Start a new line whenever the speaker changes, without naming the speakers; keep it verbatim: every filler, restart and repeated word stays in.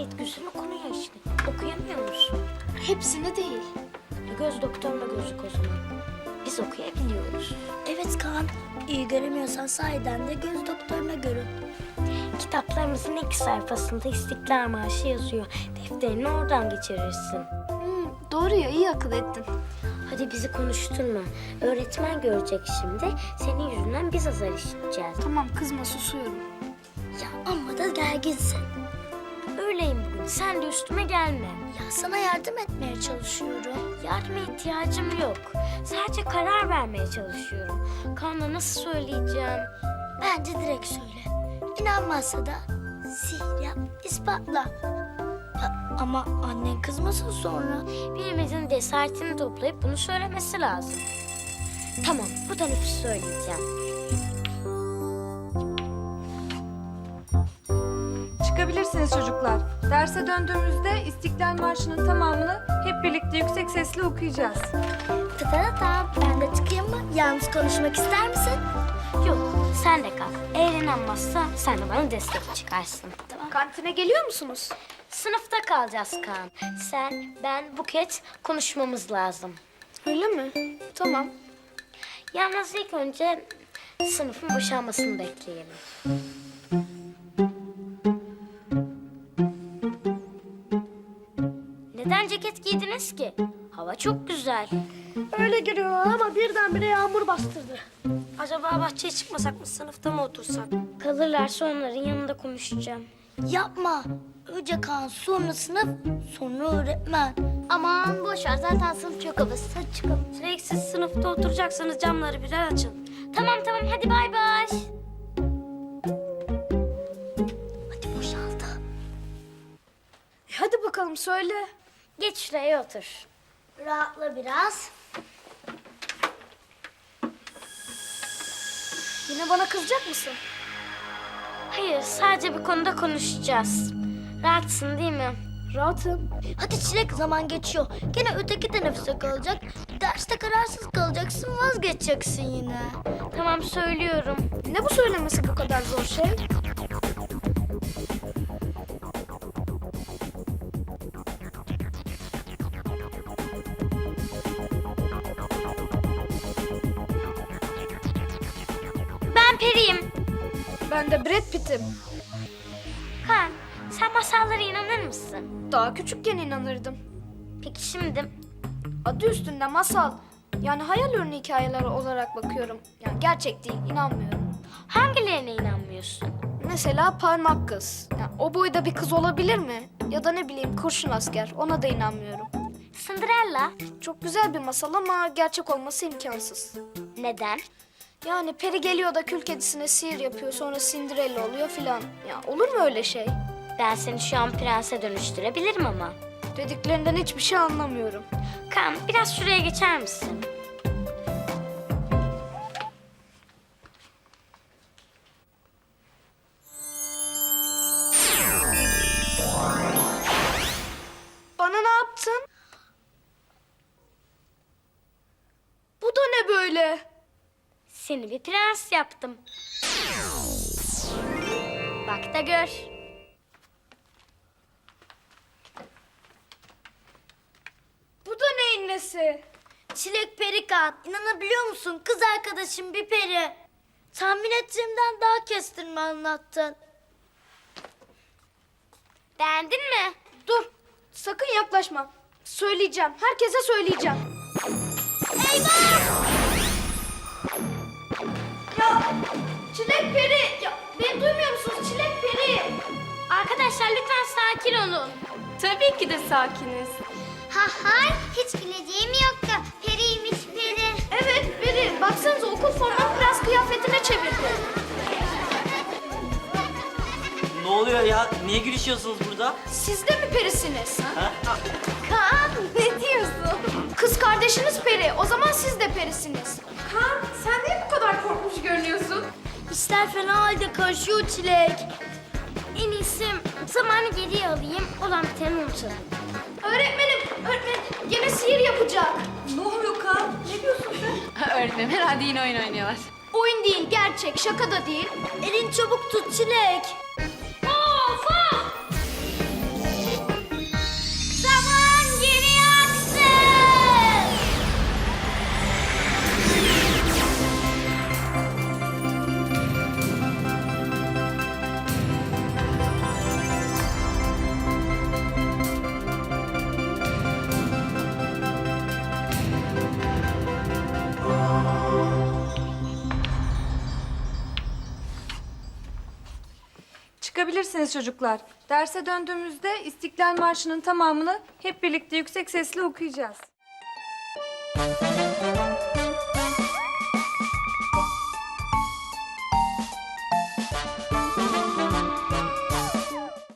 gayet güzel okunuyor işte. Okuyamıyor musun?
Hepsini değil.
E, göz doktoruna gözük o zaman. Biz okuyabiliyoruz.
Evet Kaan, iyi göremiyorsan sahiden de göz doktoruna görün.
Kitaplarımızın ilk sayfasında İstiklal Marşı yazıyor. Defterini oradan geçirirsin.
Hmm, doğru ya, iyi akıl ettin.
Hadi bizi konuşturma. Öğretmen görecek şimdi. Senin yüzünden biz azar işiteceğiz.
Tamam, kızma, susuyorum.
Ya amma da gerginsin.
Öyleyim bugün. Sen de üstüme gelme.
Ya sana yardım etmeye çalışıyorum.
Yardıma ihtiyacım yok. Sadece karar vermeye çalışıyorum. Kaan'a nasıl söyleyeceğim?
Bence direkt söyle. İnanmazsa da sihir yap, ispatla. Ya, ama annen kızmasın sonra.
Birimizin cesaretini toplayıp bunu söylemesi lazım. Tamam, bu teneffüs söyleyeceğim.
Çıkabilirsiniz çocuklar. Derse döndüğümüzde İstiklal Marşı'nın tamamını hep birlikte yüksek sesle okuyacağız.
Tıta ben de çıkayım mı? Yalnız konuşmak ister misin?
Yok, sen de kal. Eğer inanmazsa sen de bana destek çıkarsın. Tamam.
Kantine geliyor musunuz?
Sınıfta kalacağız Kaan. Sen, ben, Buket konuşmamız lazım.
Öyle mi? Tamam.
Yalnız ilk önce sınıfın boşalmasını bekleyelim. Neden ceket giydiniz ki? Hava çok güzel.
Öyle giriyor ama birdenbire yağmur bastırdı.
Acaba bahçeye çıkmasak mı, sınıfta mı otursak? Kalırlarsa onların yanında konuşacağım.
Yapma. Önce Kaan, sonra sınıf, sonra öğretmen.
Aman boş ver, zaten sınıf çok havasız. Hadi çıkalım. Sürekli siz sınıfta oturacaksanız camları birer açın. Tamam tamam, hadi bay bay.
Hadi boşaldı.
E hadi bakalım, söyle.
Geç şuraya otur.
Rahatla biraz.
Yine bana kızacak mısın?
Hayır, sadece bir konuda konuşacağız. Rahatsın değil mi?
Rahatım.
Hadi Çilek, zaman geçiyor. Gene öteki teneffüse kalacak. Derste kararsız kalacaksın, vazgeçeceksin yine.
Tamam, söylüyorum.
Ne bu söylemesi bu kadar zor şey?
Ben Peri'yim.
Ben de Brad Pitt'im.
Kaan, sen masallara inanır mısın?
Daha küçükken inanırdım.
Peki şimdi?
Adı üstünde masal. Yani hayal ürünü hikayeleri olarak bakıyorum. Yani gerçek değil, inanmıyorum.
Hangilerine inanmıyorsun?
Mesela parmak kız. Yani o boyda bir kız olabilir mi? Ya da ne bileyim kurşun asker. Ona da inanmıyorum.
Cinderella.
Çok güzel bir masal ama gerçek olması imkansız.
Neden?
Yani peri geliyor da kül kedisine sihir yapıyor, sonra Cinderella oluyor filan. Ya olur mu öyle şey?
Ben seni şu an prense dönüştürebilirim ama.
Dediklerinden hiçbir şey anlamıyorum.
Kaan, biraz şuraya geçer misin?
Bana ne yaptın? Bu da ne böyle?
Seni bir prens yaptım. Bak da gör.
Bu da neyin nesi?
Çilek peri Kaan, inanabiliyor musun? Kız arkadaşım bir peri. Tahmin ettiğimden daha kestirme anlattın.
Beğendin mi?
Dur, sakın yaklaşma. Söyleyeceğim, herkese söyleyeceğim.
Eyvah!
Ya Çilek peri, ya beni duymuyor musunuz? Çilek peri.
Arkadaşlar lütfen sakin olun.
Tabii ki de sakiniz.
Ha hay, hiç bileceğim yoktu. Periymiş peri.
Evet peri, baksanıza okul formunu prens kıyafetine çevirdi.
Ne oluyor ya? Niye gülüşüyorsunuz burada?
Siz de mi perisiniz?
Ha?
Kaan, ne diyorsun? Kız kardeşiniz peri, o zaman siz de perisiniz. Kaan, sen niye bu kadar korkmuş görünüyorsun?
İşler fena halde karışıyor Çilek.
En iyisi zamanı geriye alayım, olan biteni unutalım.
Öğretmenim, öğretmenim gene sihir yapacak.
Ne oluyor Kaan?
Ne diyorsun sen?
Öğretmenim herhalde yine oyun oynuyorlar.
Oyun değil, gerçek, şaka da değil.
Elin çabuk tut Çilek.
Of of!
misiniz çocuklar? Derse döndüğümüzde İstiklal Marşı'nın tamamını hep birlikte yüksek sesle okuyacağız.